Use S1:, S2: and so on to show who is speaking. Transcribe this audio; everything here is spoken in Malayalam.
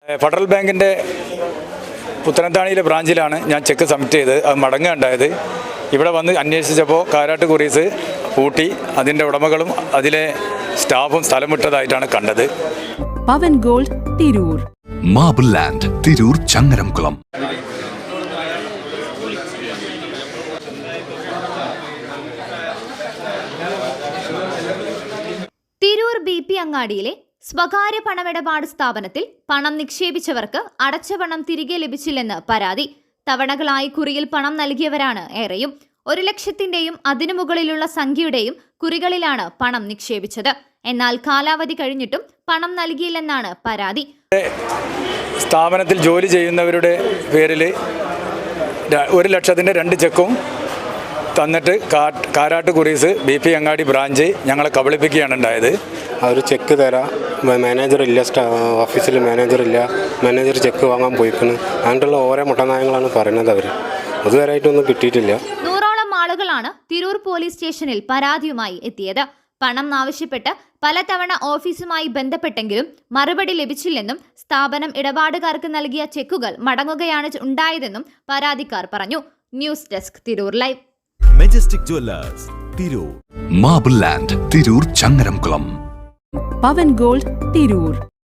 S1: ഫെഡറൽ ബാങ്കിൻ്റെ പുത്തനത്താണിയിലെ ബ്രാഞ്ചിലാണ് ഞാൻ ചെക്ക് സബ്മിറ്റ് ചെയ്ത് അത് മടങ്ങുകയുണ്ടായത്. ഇവിടെ വന്ന് അന്വേഷിച്ചപ്പോൾ കാരാട്ട് കുറീസ് പൂട്ടി അതിൻ്റെ ഉടമകളും അതിലെ സ്റ്റാഫും സ്ഥലം വിട്ടതായിട്ടാണ് കണ്ടത്.
S2: Pavan gold Tirur,
S3: marble land Tirur Changaramkulam.
S4: Tirur BP അങ്ങാടിയിലെ സ്വകാര്യ പണമിടപാട് സ്ഥാപനത്തിൽ പണം നിക്ഷേപിച്ചവർക്ക് അടച്ച പണം തിരികെ ലഭിച്ചില്ലെന്ന് പരാതി. തവണകളായി കുറിയിൽ പണം നൽകിയവരാണ് ഏറെയും. 1 ലക്ഷത്തിന്റെയും അതിനു മുകളിലുള്ള സംഖ്യയുടെയും കുറികളിലാണ് പണം നിക്ഷേപിച്ചത്. എന്നാൽ കാലാവധി കഴിഞ്ഞിട്ടും പണം നൽകിയില്ലെന്നാണ് പരാതി.
S1: സ്ഥാപനത്തിൽ ജോലി ചെയ്യുന്നവരുടെ പേരിൽ 1 ലക്ഷത്തിൻ്റെ 2 ചെക്കും തന്നിട്ട് കാരാട്ട് കുറീസ് BP അങ്ങാടി ബ്രാഞ്ച് ഞങ്ങളെ കബളിപ്പിക്കുകയാണ് ഉണ്ടായത്.
S5: അവർ ചെക്ക് തരാം, മാനേജറില്ല, ഓഫീസിൽ മാനേജറില്ല, മാനേജർ ചെക്ക് വാങ്ങാൻ പോയിക്കുന്നു, അങ്ങനെയുള്ള ഓരോ മുട്ടനായങ്ങളാണ് പറയുന്നത്. അവർ അതുവരെയായിട്ടൊന്നും കിട്ടിയിട്ടില്ല.
S4: 100ഓളം ആളുകളാണ് തിരൂർ പോലീസ് സ്റ്റേഷനിൽ പരാതിയുമായി എത്തിയത്. പണം ആവശ്യപ്പെട്ട് പലതവണ ഓഫീസുമായി ബന്ധപ്പെട്ടെങ്കിലും മറുപടി ലഭിച്ചില്ലെന്നും സ്ഥാപനം ഇടപാടുകാർക്ക് നൽകിയ ചെക്കുകൾ മടങ്ങുകയാണ് ഉണ്ടായതെന്നും പരാതിക്കാർ പറഞ്ഞു. News desk Tirur live.
S6: Majestic jewellers Tirur,
S3: marble land Tirur Changaramkulam.
S2: Pavan gold Tirur.